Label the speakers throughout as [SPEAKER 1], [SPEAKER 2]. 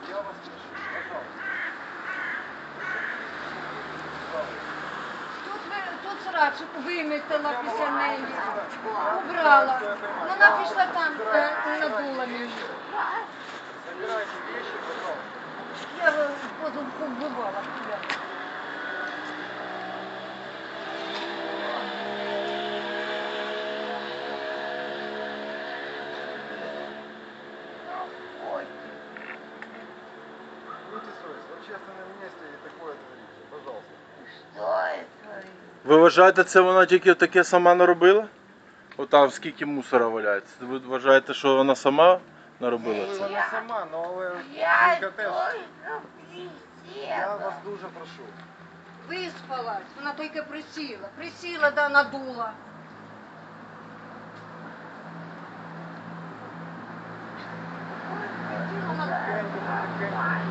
[SPEAKER 1] Я вас прошу, пожалуйста.
[SPEAKER 2] Тут срачку вимітила після неї, убрала. Вона пішла там, надула мені.
[SPEAKER 1] Забирайте вещи, пожалуйста.
[SPEAKER 2] Я побивала тебе.
[SPEAKER 1] Будьте совесть, в общественном месте и такое творите, пожалуйста.
[SPEAKER 3] Ви вважаєте, це вона тільки таке сама наробила? Отам скільки мусора валяється. Ви вважаєте, що вона сама наробила
[SPEAKER 1] Ну,
[SPEAKER 3] це?
[SPEAKER 1] вона сама, але жінка теж. Я вас дуже прошу.
[SPEAKER 2] Виспалась, вона тільки присіла, да надула.
[SPEAKER 1] Потихеньку, потихеньку.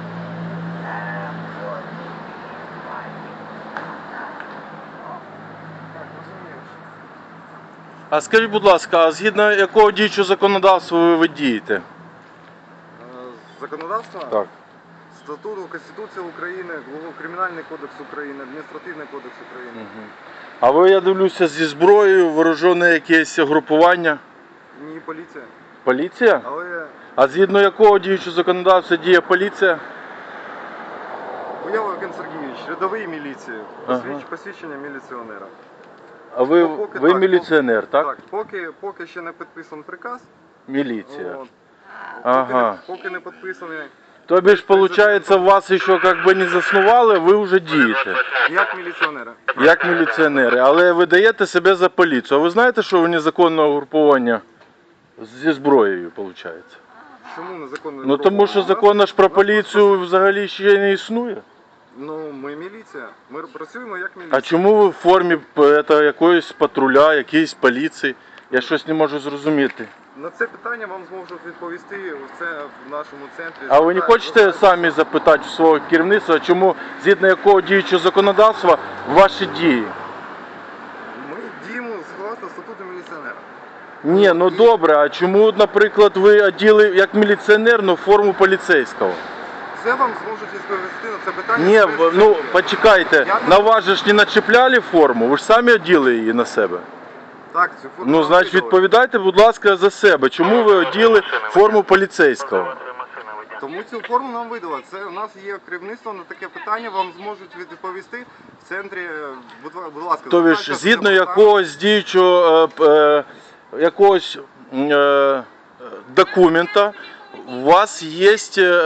[SPEAKER 1] Так, розумію.
[SPEAKER 3] А скажіть, будь ласка, а згідно якого діючого законодавства ви дієте?
[SPEAKER 1] Законодавство?
[SPEAKER 3] Так.
[SPEAKER 1] Статуту Конституції України, Кримінальний кодекс України, Адміністративний кодекс України.
[SPEAKER 3] Угу. А ви, я дивлюся, зі зброєю, вооружене якесь групування?
[SPEAKER 1] Ні, поліція.
[SPEAKER 3] Поліція?
[SPEAKER 1] Але
[SPEAKER 3] А згідно якого діючого законодавства діє поліція?
[SPEAKER 1] Буялов Сергійович, рядовий міліції,
[SPEAKER 3] Ага.
[SPEAKER 1] посвідчення міліціонера.
[SPEAKER 3] А ви,
[SPEAKER 1] Поки
[SPEAKER 3] ви
[SPEAKER 1] так,
[SPEAKER 3] міліціонер, так?
[SPEAKER 1] Так, поки ще не підписаний приказ,
[SPEAKER 3] Міліція.
[SPEAKER 1] от,
[SPEAKER 3] Ага.
[SPEAKER 1] поки не підписаний,
[SPEAKER 3] Тобі ж, виходить, вас ще як би не заснували, ви вже дієте.
[SPEAKER 1] як міліціонера.
[SPEAKER 3] Як міліціонери, але ви даєте себе за поліцію. А ви знаєте, що ви незаконне угруповання зі зброєю, виходить?
[SPEAKER 1] Чому незаконно?
[SPEAKER 3] Ну тому що закон ж про поліцію взагалі ще не існує.
[SPEAKER 1] Ну, ми міліція, ми працюємо як міліція.
[SPEAKER 3] А чому ви в формі якоїсь патруля, якоїсь поліції? Я щось не можу зрозуміти.
[SPEAKER 1] На це питання вам зможуть відповісти це в нашому центрі.
[SPEAKER 3] А ви не хочете самі запитати у свого керівництва, чому, згідно якого діючого законодавства, ваші дії?
[SPEAKER 1] Ми діємо згідно статуту міліціонера.
[SPEAKER 3] Ні, ну добре, а чому, наприклад, ви оділи як міліціонер, но форму поліцейського?
[SPEAKER 1] Це вам зможуть відповісти на це питання.
[SPEAKER 3] Ні,
[SPEAKER 1] в
[SPEAKER 3] ну
[SPEAKER 1] центрі.
[SPEAKER 3] почекайте, на вас же ж не начепляли форму, ви ж самі оділи її на себе.
[SPEAKER 1] Так, цю форму
[SPEAKER 3] Ну,
[SPEAKER 1] вам
[SPEAKER 3] значить,
[SPEAKER 1] видали.
[SPEAKER 3] відповідайте, будь ласка, за себе. Чому ви оділи форму поліцейського?
[SPEAKER 1] Тому цю форму нам видали. Це у нас є керівництво на таке питання, вам зможуть відповісти в центрі. Будь ласка,
[SPEAKER 3] Тобто,
[SPEAKER 1] звертайтеся
[SPEAKER 3] згідно
[SPEAKER 1] з цим питанням.
[SPEAKER 3] якогось діючого якогось документа, у вас є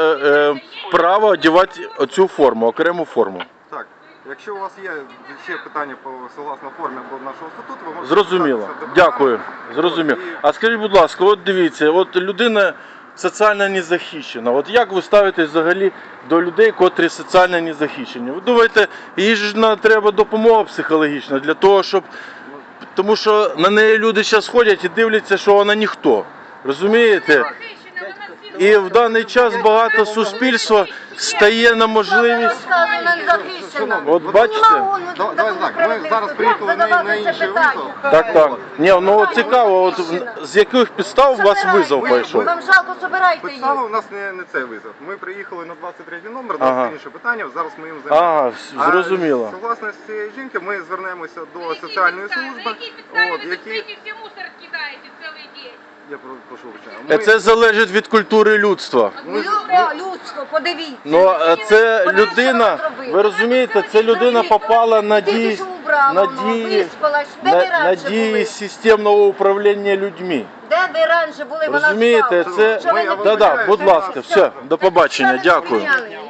[SPEAKER 3] право одягати цю форму, окрему форму.
[SPEAKER 1] Так, якщо у вас є ще питання по согласно формі або нашого статуту, ви можете
[SPEAKER 3] Зрозуміло.
[SPEAKER 1] звертатися до
[SPEAKER 3] Дякую.
[SPEAKER 1] департаменту.
[SPEAKER 3] Зрозуміло.
[SPEAKER 1] От, і
[SPEAKER 3] А скажіть, будь ласка, от дивіться, от людина соціально незахищена. От як ви ставитесь взагалі до людей, котрі соціально незахищені? Ви думаєте, їй ж треба допомога психологічна для того, щоб... Тому що на неї люди зараз ходять і дивляться, що вона ніхто. Розумієте? І в даний час багато суспільства стає на можливість... От бачите?
[SPEAKER 1] Давай так, ми зараз приїхали на інший визов.
[SPEAKER 3] Так. Ні, ну от цікаво, от з яких підстав у вас визов пройшов?
[SPEAKER 2] Вам жалко, собирайте їх.
[SPEAKER 1] Підстава у нас не цей визов. Ми приїхали на 23 номер, у
[SPEAKER 3] Ага.
[SPEAKER 1] нас інше питання, зараз ми їм займаємося.
[SPEAKER 3] Ага, зрозуміло.
[SPEAKER 1] Согласно з цієї жінки, ми звернемося до соціальної служби, які...
[SPEAKER 4] все мусор кидаете целый день.
[SPEAKER 1] Я прошу вибачення.
[SPEAKER 3] Це залежить від культури людства.
[SPEAKER 2] Людство, подивіться.
[SPEAKER 3] Ну, це людина, ви розумієте, це людина попала на дії, на дії системного управління людьми.
[SPEAKER 2] Де ви раніше були, вона
[SPEAKER 3] Розумієте,
[SPEAKER 2] встала.
[SPEAKER 3] це...
[SPEAKER 2] Що ви не
[SPEAKER 3] Да-да, будь
[SPEAKER 1] помічаєте?
[SPEAKER 3] ласка, все, до побачення, дякую.
[SPEAKER 2] поміняли?